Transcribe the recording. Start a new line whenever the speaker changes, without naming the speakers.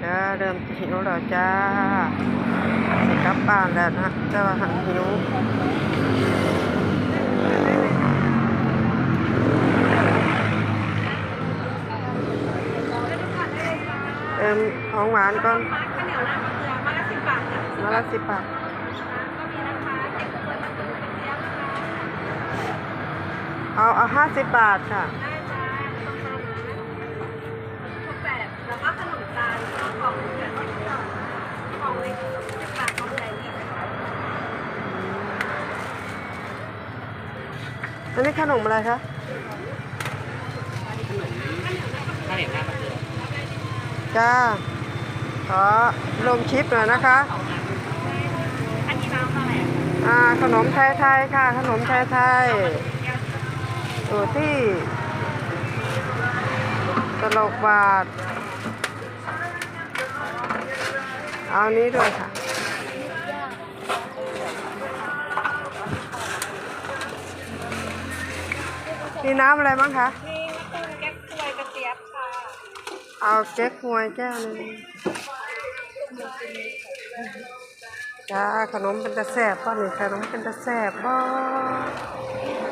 จ้าเริ่มหิวแล้วจ้าสิกลับบ้านแล้วนะแต่ว่าหันหิวเติมของหวานก่อน
ข้าวเหนียวหน้ามะเขือมาละ10 บาทจ้ะ
มาละ10 บาท
ก็มีนะคะเด็กกล้วยมะเขือเจี๊ยบนะคะ
เอา50 บาทค่ะ
ได้จ้าต้องทานนะทุกแบบแล้วก็ขนมตาลก็กล่องละ10 บาทกล่องเล็ก10 บาทกล่องใหญ่20 บาท
อันนี้ขนมอะไรคะ
ข้าวเหนียวหน้ามะเขือ
จ้าขอลงชิปหน่อยนะคะ
อันนี้น้ำเท่าไหร่
ขนมไทยๆค่ะขนมไทยๆอยู่ที่ตลกบาทเอานี้ด้วยค่ะมีน้ำอะไรบ้างคะ
มีมะตูมแก๊กควยกระเจี๊ยบค่ะ
เอาเก๊กฮวยแก้วนึงจ้าขนมเป็นตะแสบป่ะนี่ขนมเป็นตะแสบบ่